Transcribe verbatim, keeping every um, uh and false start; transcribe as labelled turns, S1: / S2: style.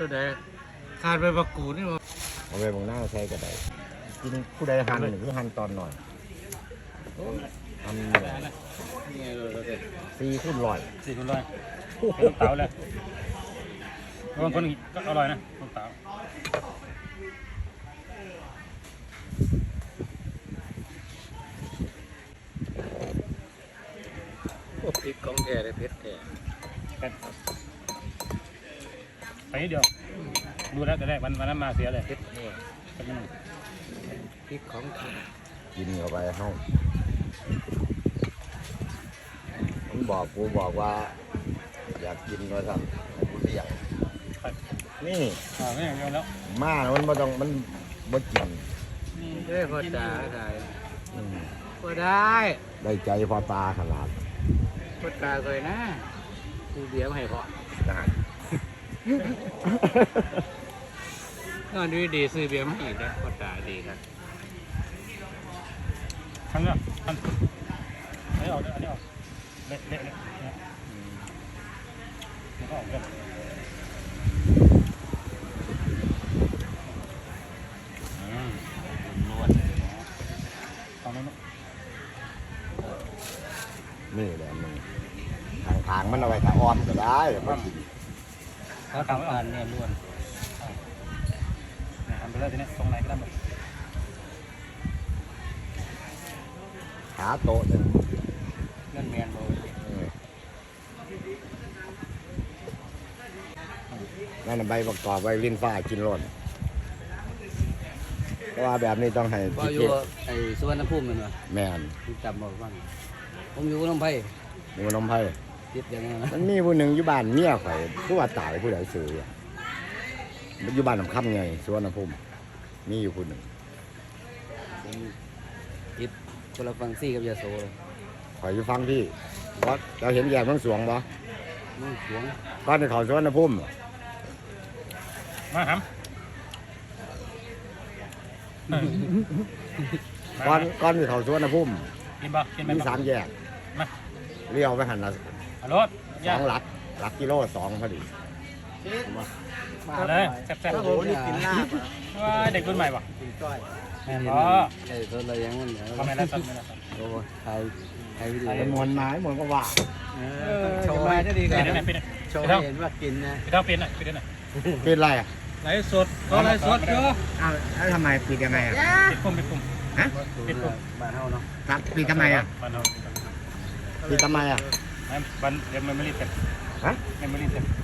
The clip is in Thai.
S1: ตัวใดขาดไปบักกูนี่มั้ง
S2: เอาไปบางหน้าใช้ก็ได้กินผู้ใดหั่นหรือหั่นตอนหน่อยทำสี่ขึ้นลอย
S3: สี่คนร้อยเป็นลูกเต๋าเลยบางคนก็อร่อยนะลูกเต๋า
S1: พริกของแท้เลยเผ็ดแท้
S3: ไปนิดเดียวดูแล้วจะได้วันวันนั้นมาเสียเลย
S1: เผ็ดแท้พริกของแท้
S2: กินเข้าไปห้องผมบอกกูบอกว่าอยากกินก็ทำกูเรียกนี่
S3: อ่าไม่อย่างเดียวแล้ว
S2: มามันไม่ต้องมันบ่กิน
S1: เด้พอตาได้พอได้
S2: ได้ใจพอตาขนาด
S1: พอตาเคยนะซื้อเบียร์มาให้พอนอนดีดีซื้อเบียร์มาอีกนะพอตาดีครับ
S3: ทันเนี่ยทันอันนี้ออกอันนี้ออกเละเละเละเนี่ยมันก็ออกเลย
S1: นวด
S3: ตอนนั้น
S2: นี่แหละมึงทางๆมันเอาไว้ถ้าออมก็ได้มันกิน
S3: ถ้ากลางไม่ออกเนี่ยล้วนทำไปเลยทีนี้ตรงไหนก็ได้หมด
S2: ขาโตเนี่ย
S1: เงินแมนโบ
S2: นั่นใบประกอบใบลิ้นฟ้ากินร่นเพราะว่าแบบนี้ต้องให้
S1: บ่อยู่ไอ้สุวรรณภูมินั่นวะ
S2: แม่น
S1: จำบอกว่าผมอยู่น้ำไผ่
S2: อยู่น้ำไผ่
S1: ติดอย่างนั้น
S2: มันมีผู้หนึ่งอยู่บ้านเมียข่อยผู้ว่าตายผู้ใดซื้อมันอยู่บ้านน้ำค่ำไงสุวรรณภูมิมีอยู่ผู้หนึ่ง
S1: ผมติดคนละฟังซี่กับยาโซ
S2: ข่อยอยู่ฟังที่วัดเราเห็นแยกมังสวงบ่
S1: มังสวง
S2: ก้อนในเขาสุวรรณภูมิ
S3: มาครับ
S2: ก้อนก้อนที่เขาสุวรรณภูมิ
S3: กินบ่กิน
S2: มีสามแยก
S3: มา
S2: เลี้ยวไปหันละ
S3: รถ
S2: สองหลักหลักกิโลสองพอดี
S3: มาเลยแซ่บๆโอ้ยกินลาบว่าเด็กรุ่นใหม่ป่ะ
S1: กินก้อย
S3: แม่อ๋อ
S1: ไอ้ตัวอะไรยังมันเนี่ย
S3: ทำไมล่ะทำไมล่ะ
S1: โอ้ไทยไทยวิดีโอ
S2: เป็นมวลไม้มวลก็ว่า
S1: โชว์ให้ได้ดีกันโชว์ให้เห็นว่ากินนะ
S3: พี่เท่าเป็นอ่ะเป็นอ่ะ
S2: เป็นไรอ่ะ
S1: ไลฟ์สดก็ไลฟ์สดเยอะ
S2: อ้าวแล้วทำไมปิดยังไงอ่ะ
S3: ปิดปุ่มปิดปุ่ม
S2: ฮะ
S1: ปิดปุ่มบ้านเฮาเนาะ
S2: ครับปิดทำไมอ่ะ
S3: บ้านเฮา
S2: ปิดทำไมอ่ะ
S3: บ้านเดี๋ยวมันไม่รีบเสร็จ
S2: ฮะ
S3: มันไม่รีบเสร็จ